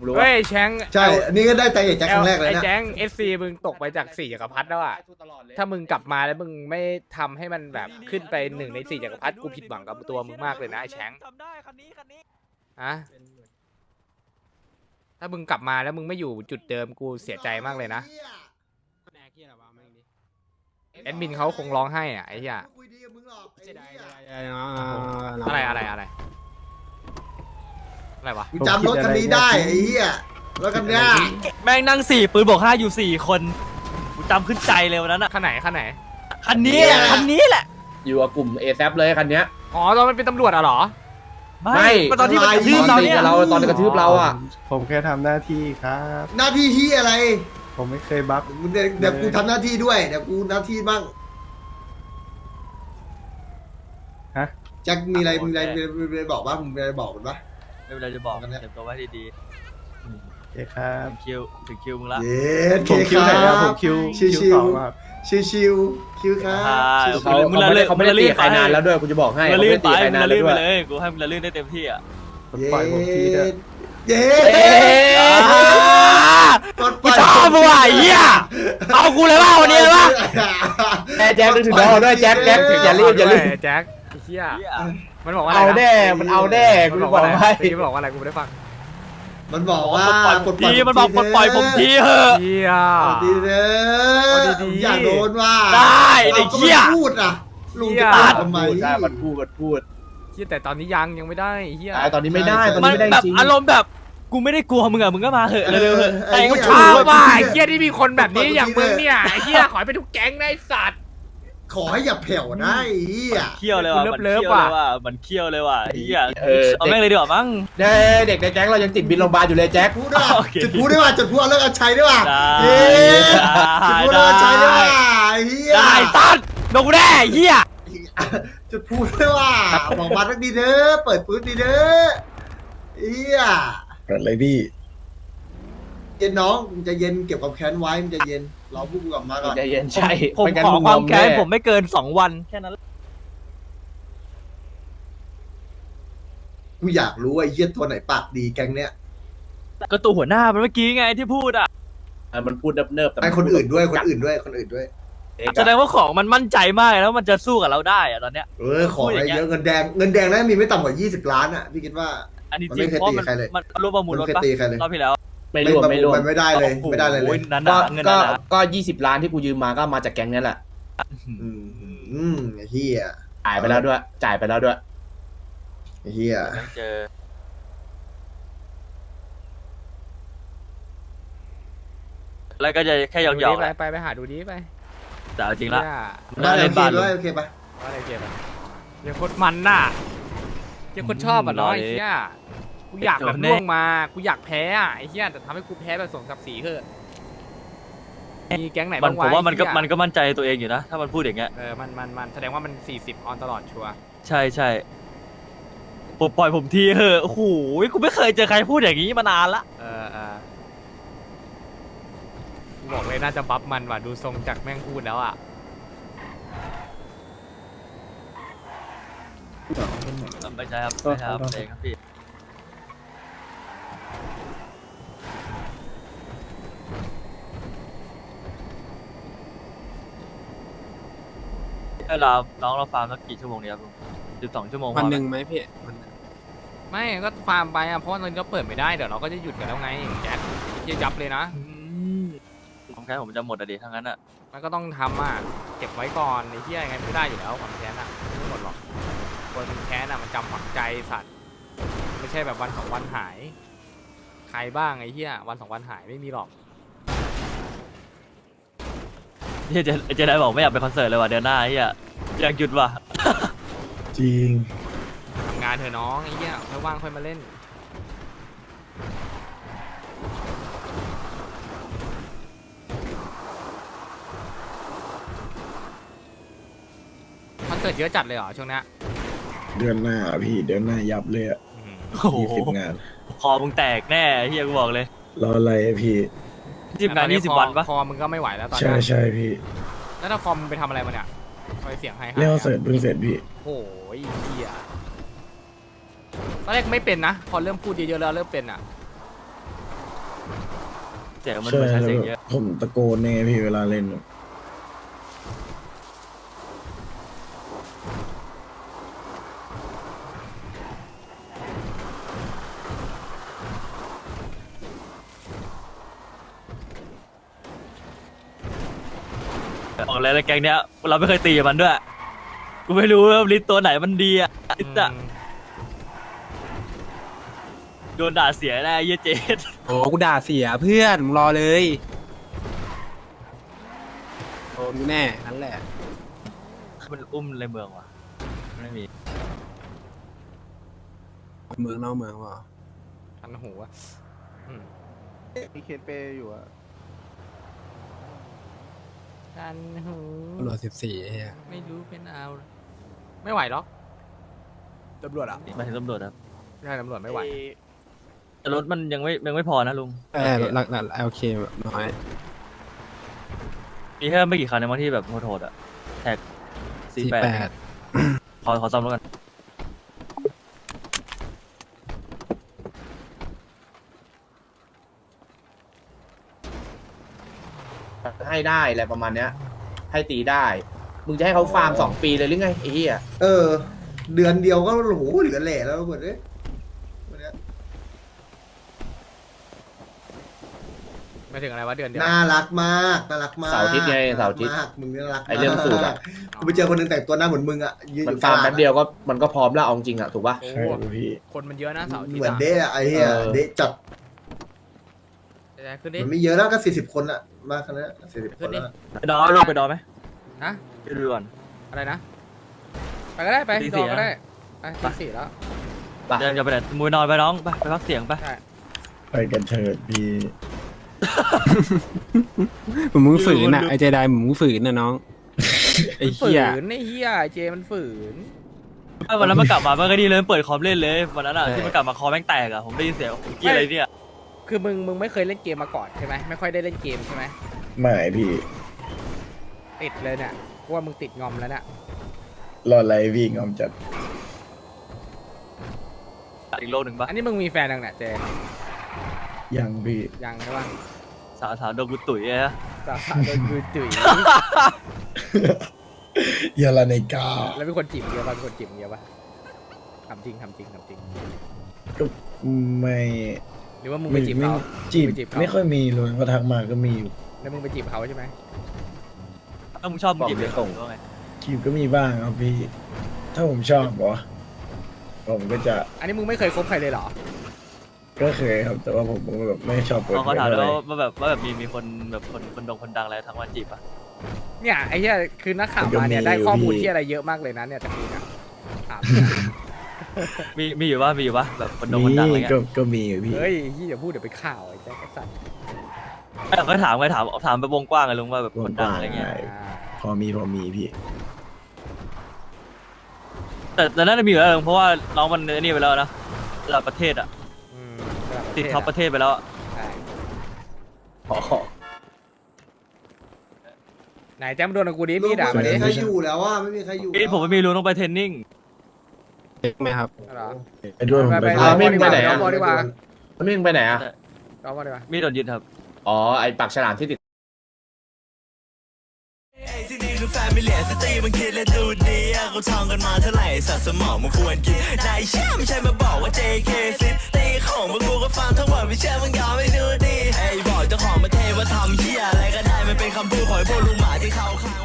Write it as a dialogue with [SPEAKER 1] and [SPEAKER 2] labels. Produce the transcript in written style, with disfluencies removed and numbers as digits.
[SPEAKER 1] รู้
[SPEAKER 2] เฮ้ยแชง
[SPEAKER 3] ใช่อันนี้ก็ได้ใจเอกแจ็คครั้งแรกเลย
[SPEAKER 2] ไอ้
[SPEAKER 3] นะ
[SPEAKER 2] แจ้ง SC มึงตกไปจาก4 จักรพรรดิแล้วอ่ะถ้ามึงกลับมาแล้วมึงไม่ทำให้มันแบบขึ้นไป1 ใน 4 จักรพรรดิกูผิดหวังกับตัวมึงมากเลยนะไอ้แชง
[SPEAKER 4] จำได้คันนี้
[SPEAKER 2] อะ ถ้ามึงกลับมาแล้วมึงไม่อยู่จุดเดิมกูเสียใจมากเลยนะแอดมินเขาคงร้องไห้อ่ะไอ้เหี้ย
[SPEAKER 3] คุยดีกับมึงหรอกไอ้เหี้ย
[SPEAKER 2] อะไรวะ
[SPEAKER 3] กูจำรถคันนี้ได้ไอ้เหี้ยรถคันเนี้ย
[SPEAKER 4] แม่งนั่ง4 ปืนบวก5อยู่4 คนกูจำขึ้นใจเลยวันนั้นอะ
[SPEAKER 2] คันไหน
[SPEAKER 4] คันนี้แหละคันนี้แหละ
[SPEAKER 1] อยู่กับกลุ่ม ASAP เลยคันเนี้ย
[SPEAKER 2] อ๋อตอนมันเป็นตำรวจอะเหรอ
[SPEAKER 1] ไม่
[SPEAKER 4] ก็ตอนที่มันกระทืบเราเนี่ย
[SPEAKER 1] ตอนกระทืบเราอ่ะ
[SPEAKER 5] ผมแค่ทำหน้าที่ครับ
[SPEAKER 3] หน้าที่เหี้ยอะไร
[SPEAKER 5] ผมไม่เคยบัฟ
[SPEAKER 3] เดี๋ยวกูทำหน้าที่ด้วยเดี๋ยวกูหน้าที่บ้าง
[SPEAKER 5] ฮะ
[SPEAKER 3] แจ็คมีอะไรมีอะไรบอกบ้างมึงมีอะไรบอกมันปะ
[SPEAKER 4] ไม่เป็นไรจะบอกเตรียมตัวไว้ดี
[SPEAKER 5] โอเคครับ
[SPEAKER 4] ๆถึงคิวมึงละ
[SPEAKER 3] เย้
[SPEAKER 5] ผมคิวไหนครับผมคิว
[SPEAKER 3] ชิว
[SPEAKER 5] สองครับ
[SPEAKER 3] ชิวคิวครับ
[SPEAKER 1] เขาไม่ได้ตีใครนานแล้วด้วยกูจะบอกให้
[SPEAKER 4] มึง
[SPEAKER 1] เขา
[SPEAKER 4] ละ
[SPEAKER 1] ไม่
[SPEAKER 4] ลื่น
[SPEAKER 1] ได้
[SPEAKER 4] ไป
[SPEAKER 1] ตีใคร
[SPEAKER 4] มึ
[SPEAKER 1] นาง น
[SPEAKER 4] ละ
[SPEAKER 1] แล้ว
[SPEAKER 4] ลื่น
[SPEAKER 1] ด้
[SPEAKER 4] ไป
[SPEAKER 1] วย
[SPEAKER 4] เลยกูให้มึงละลื่นได้เต็มที่อ่ะ
[SPEAKER 5] ปล่อยผมทีเถอะ
[SPEAKER 3] เย้
[SPEAKER 4] กูชอบมึงว่ะไอ้เหี้ยเอากูเลยว่าวันนี้เลยว่า
[SPEAKER 1] แจ็คนึกถึงเราด้วยแจ็คอย่ารีบ
[SPEAKER 2] แจ็คไอ้เหี้ยมันบอกว่าอะไร
[SPEAKER 1] เอา
[SPEAKER 2] นะ
[SPEAKER 1] แน่มันเอาแน่กู
[SPEAKER 2] มัน
[SPEAKER 1] จะ
[SPEAKER 2] บอก
[SPEAKER 1] บ
[SPEAKER 2] ว่า
[SPEAKER 1] อก
[SPEAKER 2] อะไร
[SPEAKER 1] ให้
[SPEAKER 2] มันบอกว่าอะไรกูไม่ได้ฟัง
[SPEAKER 3] มันบอกว่า
[SPEAKER 4] มันบอกปลดปล่อยผมทีเถอะ
[SPEAKER 2] เหี้ย
[SPEAKER 3] ดีเด้อ
[SPEAKER 2] ดีๆ
[SPEAKER 3] อย่าโดนว่า
[SPEAKER 4] ได้ไอ้เหี้ย
[SPEAKER 3] ราก็มาพูดอ่ะลุงจะตัดทำไม
[SPEAKER 1] ใช่มันพูด
[SPEAKER 2] เหี้ยแต่ตอนนี้ยังไม่ได้ไอ้เหี้ย
[SPEAKER 1] ตอนนี้ไม่ได้ตอน
[SPEAKER 4] มั
[SPEAKER 1] นี้
[SPEAKER 4] น
[SPEAKER 1] ไม่ได้
[SPEAKER 4] แบบ
[SPEAKER 1] จริง
[SPEAKER 4] อารมณ์แบบกูไม่ได้กลัวมึงอะมึงก็มาเถอะเร็วๆเถอะ
[SPEAKER 3] ไอ้
[SPEAKER 2] กู
[SPEAKER 3] เหี้ย
[SPEAKER 2] ชอบว่ะไอ้เหี้ยที่มีคนแบบนี้อย่างมึงเนี่ยไอ้เหี้ยขอให้เป็นทุกแก๊งนะไอ้สัตว์
[SPEAKER 3] ขอให้อย่าแผ่วนะไอ้เหี้ย
[SPEAKER 4] เคี้ยวเลยว่ะมันเคี้ยวเลยว่ะมันเคี้ยวเลยว่ะไอ้เหี้ยเอาแม่งเลยดีกว่ามั้ง
[SPEAKER 1] เด็กในแจ็คเรายังติดบินโรงพยาบาลอยู่เลยแจ็ค
[SPEAKER 3] พูดด้วย
[SPEAKER 4] โอเค
[SPEAKER 3] จุดพูดด้วยว่าจุดพูดเอาเลิกเอาใช้ด้วยว่า
[SPEAKER 4] ได้
[SPEAKER 3] เย้จุดพูดเอาใช้ด้วยว่าไอ้เหี้ย
[SPEAKER 4] ได้ตัดโดนกูแน่เหี้ย
[SPEAKER 3] จุดพูดด้วยว่าบอกมาสักดีเด้อเปิดปืนดีเด้อไอ้เหี้ย
[SPEAKER 5] เปิดเลยพี่
[SPEAKER 3] เย็นน้องมึงจะเย็นเก็บความแค้นไว้มึงจะเย็นรอพวกกูกลับมาก่อน
[SPEAKER 1] ใจเย็นใช่
[SPEAKER 4] ผมขอความแค้นผมไม่เกิน2 วันแค่นั้น
[SPEAKER 3] กูอยากรู้ว่าไอ้เหี้ยตัวไหนปากดีแก๊งเนี้ย
[SPEAKER 4] ก็ตัวหัวหน้ามันเมื่อกี้ไงที่พูดอ่ะ
[SPEAKER 1] มันพูดเนิบๆแต่
[SPEAKER 3] ไอ้คนอื่นด้วยคนอื่นด้วย
[SPEAKER 4] แสดงว่าของมันมั่นใจมากแล้วมันจะสู้กับเราได้อะตอนเนี้ย
[SPEAKER 3] ของอะไรเยอะเงินแดงน่าจะมีไม่ต่ำกว่า20 ล้านอ่ะพี่คิดว่า
[SPEAKER 4] อันนี้
[SPEAKER 3] มัน
[SPEAKER 4] จริ
[SPEAKER 3] ไม่
[SPEAKER 4] ง
[SPEAKER 3] เคย
[SPEAKER 4] เพราะ
[SPEAKER 3] ตี
[SPEAKER 4] มัน
[SPEAKER 3] ใครเลย
[SPEAKER 4] มันรวมประมูลรถ
[SPEAKER 3] ไม่เคย
[SPEAKER 4] ปะ
[SPEAKER 3] ตีใครเลย
[SPEAKER 4] รอบที่แล้ว
[SPEAKER 1] ไม่รวม
[SPEAKER 3] มันไม่ได้เลย
[SPEAKER 4] โอ้โห
[SPEAKER 3] ไม่ได้เลย
[SPEAKER 4] นั้น
[SPEAKER 1] ก็
[SPEAKER 4] นะเงิน
[SPEAKER 1] ก็
[SPEAKER 4] นั้นนะ
[SPEAKER 1] ก็20 ล้านที่กูยืมมาก็มาจากแก๊งนี้แหละ
[SPEAKER 3] ไอ้เหี้ย
[SPEAKER 1] จ่ายไปแล้วด้วย
[SPEAKER 3] ไอ้เหี้ย
[SPEAKER 4] ต้องเจอแล้วก็จะแค่หยอกๆแหละ
[SPEAKER 2] ไปหาดูดิไป
[SPEAKER 4] แต่เอาจริงละ
[SPEAKER 3] ได้
[SPEAKER 4] เล่นบ้าน
[SPEAKER 3] โอเคปะ
[SPEAKER 2] ว่าอะไรเก็บอะยังคนมันน่ะยังคนชอบอ่ะเนาะไอ้เหี้ยกูอยากแบบล่วงมากูอยากแพ้อ่ะไอ้เหี้ยแต่ทำให้กูแพ้แบบสมศักดิ์ศรีเถอะมีแก๊งไหน
[SPEAKER 4] มั
[SPEAKER 2] บ้าน ง
[SPEAKER 4] ผมว่ามันก็
[SPEAKER 2] ไอ้เหี้ย
[SPEAKER 4] มันก็มั่นใจตัวเองอยู่นะ ถ้ามันพูดอย่างเงี้ย
[SPEAKER 2] มันแสดงว่ามัน40ออนตลอดชัวร์
[SPEAKER 4] ใช่ใช่ปล่อยผมทีเหอะโอ้โหกูไม่เคยเจอใครพูดอย่างนี้มานานละ
[SPEAKER 2] กูบอกเลยน่าจะบัฟมันว่ะดูทรงจากแม่งพูดแล้วอ่ะ
[SPEAKER 4] ไม่ใช่ครับไม่ใช่ครับเองครับพี่เวลาน้องเราฟาร์มสักกี่ชั่วโมงเนี่ยครับ12 ชั่วโมง
[SPEAKER 6] วันหนึ่งไหมพี่
[SPEAKER 2] ไม่ก็ฟาร์มไปอ่ะเพราะว่าเราเปิดไม่ได้เดี๋ยวเราก็จะหยุดกันแล้วไงแจ็คยับเลยนะ
[SPEAKER 4] ผมแค่ผมจะหมดอะดิทั้งนั้นอะ
[SPEAKER 2] มันก็ต้องทำอ่ะเก็บไว้ก่อนไอ้เหี้ยยังไงไม่ได้อยู่แล้วความแค้นอ่ะไม่หมดหรอกคนมันแค้นอ่ะมันจำฝังใจสัตว์ไม่ใช่แบบวันสองวันหาย ใครบ้างไอ้เหี้ยวันสองวันหายไม่มีหรอก
[SPEAKER 4] จะได้บอกไม่อยากไปคอนเสิร์ตเลยว่ะเดือนหน้าไอ้เหี้ยอยากหยุดว่ะ
[SPEAKER 5] จริง
[SPEAKER 2] ทำงานเถอะน้องไอ้เหี้ยค่อยว่างค่อยมาเล่นคอนเสิร์ตเยอะจัดเลยเหรอช่วงเนี้ย
[SPEAKER 5] เดือนหน้าพี่เดือนหน้ายับเลยอ่ะ
[SPEAKER 4] โอ้โห
[SPEAKER 5] 20 งาน
[SPEAKER 4] คอมึงแตกแน่ไอ้เหี้ยกูบอกเลย
[SPEAKER 5] รออะไรอะพี่
[SPEAKER 4] 20 งาน 20 วันปะ
[SPEAKER 2] คอมึงก็ไม่ไหวแล้วตอน
[SPEAKER 5] ใช่
[SPEAKER 2] นี้
[SPEAKER 5] ใช่พี่
[SPEAKER 2] แล้วถ้าคอมมึงไปทำอะไรมาเนี่ยคอยเสียงให้
[SPEAKER 5] เล่นเสร็จเพิ่งเสร็จพี่
[SPEAKER 2] โอ้ยเหี้ยตอนแรกไม่เป็นนะ พอเริ่มพูดเยอะๆแล้วเริ่มเป็นอ่ะ
[SPEAKER 4] เสียงมัน
[SPEAKER 5] ใช่
[SPEAKER 4] เหมือนใช้
[SPEAKER 5] แล้ว
[SPEAKER 4] เสียง
[SPEAKER 5] แบบ
[SPEAKER 4] เยอะ
[SPEAKER 5] ผมตะโกนเนี่ยพี่เวลาเล่น
[SPEAKER 4] บอกเลยในแก๊งเนี้ยเราไม่เคยตีกับมันด้วยกูไม่รู้ว่าลิสตัวไหนมันดีอ่ะลิสอะโดนด่าเสียแน่เหี้ยเจด
[SPEAKER 1] โอ้กูด่าเสียเพื่อนมึงรอเลยโดนกูแน่นั่นแหละ
[SPEAKER 4] มันอุ้มในเมืองวะไม่มี
[SPEAKER 1] เมืองนอกเมืองวะ
[SPEAKER 2] ทันหูอะอืม
[SPEAKER 6] มีเคนเปย์อยู่อะ
[SPEAKER 2] ทันหู
[SPEAKER 1] ตำรวจ14เฮีย
[SPEAKER 2] ไม่รู้เป็นเอาไม่ไหวหรอก
[SPEAKER 1] ตำรวจอ่ะ
[SPEAKER 4] มาถึงตำรวจครับ
[SPEAKER 2] ใช่ตำรวจไม่ไหว
[SPEAKER 4] แต่รถมันยังไม่พอนะลุง
[SPEAKER 1] หลักโอเคน้อย
[SPEAKER 4] มีแค่ไม่กี่คันในบางที่แบบโหดๆอ่ะแท็ก48ขอซ่อมรถกัน
[SPEAKER 1] ให้ได้อะไรประมาณเนี้ย ให้ตีได้ มึงจะให้เขาฟาร์ม2 ปีเลยหรือไงไอ้เหี้ย
[SPEAKER 3] เดือนเดียวก็โอ้โหเหลือแหล่แล้วหมดเลยวันเนี้ย
[SPEAKER 2] ไม่ถึงอะไรวะเดือนเดียว
[SPEAKER 3] น่ารักมากน่ารักมาก
[SPEAKER 1] เสาร์อาทิตย์ไงเสาร์อาทิตย์
[SPEAKER 3] มากมึงน่ารัก
[SPEAKER 1] ไอ้เรื่องสูตรอะ
[SPEAKER 3] กูไปเจอคนหนึงแต่งตัวหน้าเหมือนมึงอะยืนอ
[SPEAKER 1] มัน
[SPEAKER 3] ยู่
[SPEAKER 1] ฟาร์ม
[SPEAKER 3] ตล
[SPEAKER 1] แป๊บเดียวก็มันก็พร้อมแล้วเอาจริงอะถูกป่ะ
[SPEAKER 2] โอ้
[SPEAKER 5] ใช่ครับพี่
[SPEAKER 2] คนมันเยอะนะเสาร์อาทิต
[SPEAKER 3] เหมือน
[SPEAKER 2] ย์
[SPEAKER 3] เดะอะไอ้เหี้ย
[SPEAKER 1] เออ
[SPEAKER 3] เดะจัด
[SPEAKER 2] ขึ้นดิ
[SPEAKER 3] มันไม่เยอะแล้วก็40 คนอะมากขนาดนั้น40 คนแล้ว
[SPEAKER 4] ไปดอลงไปดอไหม
[SPEAKER 2] ฮะ
[SPEAKER 4] ไปดูก่อน
[SPEAKER 2] อะไรนะไปก็ได้ไป
[SPEAKER 4] ตี
[SPEAKER 2] ด
[SPEAKER 4] สี่
[SPEAKER 2] องก็
[SPEAKER 4] นะ
[SPEAKER 2] ได้ไปตีสี่แล้ว
[SPEAKER 1] ไป
[SPEAKER 4] เดินจะไปไหนมวยนอนไปน้องไปพักเสียงไป
[SPEAKER 2] ใช่
[SPEAKER 5] ไปกันเถิดพี่
[SPEAKER 1] มึงฝืนอ่ะไอเจไดมึงฝืนนะน้องไอ้
[SPEAKER 2] ฝื
[SPEAKER 1] เหี้ย
[SPEAKER 2] นไอ้เหี้ยเจมันฝืน
[SPEAKER 4] วันนั้นมันกลับมามันก็ดีเลยเปิดคอมเล่นเลยวันนั้นอ่ะที่มันกลับมาคอแม่งแตกอ่ะผมได้ยินเสียงเกี่ยอะไรเนี่ย
[SPEAKER 2] คือมึงไม่เคยเล่นเกมมาก่อนใช่ไหมไม่ค่อยได้เล่นเกมใช่ไหม
[SPEAKER 5] ไม่พี่
[SPEAKER 2] ติดเลยเนี่ยกูว่ามึงติดงอมแล้วเนี่ย
[SPEAKER 5] รออะไรพี่งอมจัด
[SPEAKER 4] อีกโลกหนึ่งปะ
[SPEAKER 2] อันนี้มึงมีแฟนยังเนี่ยเจ
[SPEAKER 5] ยังพี่
[SPEAKER 2] ยังใช่ปะ
[SPEAKER 4] สาวโดนกูตุ๋ยเลยนะ
[SPEAKER 2] สาวโดนกูจุ๋ย
[SPEAKER 5] ยาลาในกา
[SPEAKER 2] แล้วเป็นคนจีบเยอะป่ะเป็นคนจีบเยอะป่ะทำจริง
[SPEAKER 5] ก็ไม่
[SPEAKER 2] หรือว่ามึงไปจีบเขา
[SPEAKER 5] จีบ
[SPEAKER 2] ไปจีบเขา
[SPEAKER 5] ไม่ค่อยมีเลยก็ทักมาก็มีอยู่
[SPEAKER 2] แล้วมึงไปจีบเขาใช่ไหม
[SPEAKER 4] ถ้ามึงชอบมึงจีบเลยส่งว่าไง
[SPEAKER 5] จีบก็มีบ้างครับพี่ ถ้าผมชอบเหรอผมก็จะ
[SPEAKER 2] อันนี้มึงไม่เคยคบใครเลยเหรอ
[SPEAKER 5] ก็เคยครับ แต่ว่าผมก็แบบไม่ชอบเปิด
[SPEAKER 4] เขา
[SPEAKER 5] เผย
[SPEAKER 4] ถาม
[SPEAKER 5] อะไร
[SPEAKER 4] แล้วว่าแบบมีคนแบบคนดังอะไรทักมาจีบอ่ะ
[SPEAKER 2] เนี่ยไอ้เหี้ยคือนักข่าวมาเนี่ยได้ข้อมูลที่อะไรเยอะมากเลยนะเนี่ยจากนี้นะถาม
[SPEAKER 4] มีอยู่ปะแบบคนดังอะไร
[SPEAKER 5] นี่
[SPEAKER 4] เงี้ย
[SPEAKER 5] ก็มีอยู่พี่
[SPEAKER 2] เฮ้ยที่อย่าพูดเดี๋ยวไปข่าวไอ้แจ๊คไอ้สัตว์
[SPEAKER 4] ก็ถามไปวงกว้างเลยลุงว่าแบบคนดังอะไรเงี้ย
[SPEAKER 2] อ่า
[SPEAKER 5] พอมีพี่
[SPEAKER 4] แต่น่าจะมีอยู่แล้วลุงเพราะว่าน้องมันนี่ไปแล้วนะระดับประเทศอ่ะ
[SPEAKER 2] อืม
[SPEAKER 4] ติดท็อปประเทศไปแล้วอะ
[SPEAKER 2] ใช่
[SPEAKER 1] อ๋อ
[SPEAKER 2] ไหนแจ๊คมาโดนกับกูดิ
[SPEAKER 3] ลู
[SPEAKER 2] มี
[SPEAKER 3] ก
[SPEAKER 2] ด่า
[SPEAKER 3] ไม่
[SPEAKER 2] มาดิ
[SPEAKER 3] มีใครอยู่แล้วว่าไม่มีใครอยู่
[SPEAKER 4] พี่ผมไม่มีลุงต้องไปเทรนนิ่ง
[SPEAKER 6] เด็กไหมครับ
[SPEAKER 2] เหรอ
[SPEAKER 5] ไปด้วยผมไป
[SPEAKER 2] ไป
[SPEAKER 5] ด้วย
[SPEAKER 1] ไม่ไปไหน
[SPEAKER 2] เอา
[SPEAKER 1] อะ
[SPEAKER 2] บอลดีกว่า
[SPEAKER 1] แล้วมึงไปไหนอะ
[SPEAKER 2] เอาบอลดีกว่า
[SPEAKER 4] มีโดนยึดครับ
[SPEAKER 1] อ๋อไอปากฉลามที่ติด
[SPEAKER 7] ที่นี่คือแฟมิเลียสตรีมันคิดและดูดีอะเขาท่องกันมาเท่าไหร่สัตว์สมองมันควรกินนายเชื่อไม่ใช่มาบอกว่า JK ซิตีของพวกกูก็ฟังทั้งหมดไม่เชื่อมึงยอมไม่ดูดีไอ้บอกเจ้าของประเทศว่าทำเหี้ยอะไรก็ได้มันเป็นคำพูดของไอ้พวกลุงหมาที่เขาข้าง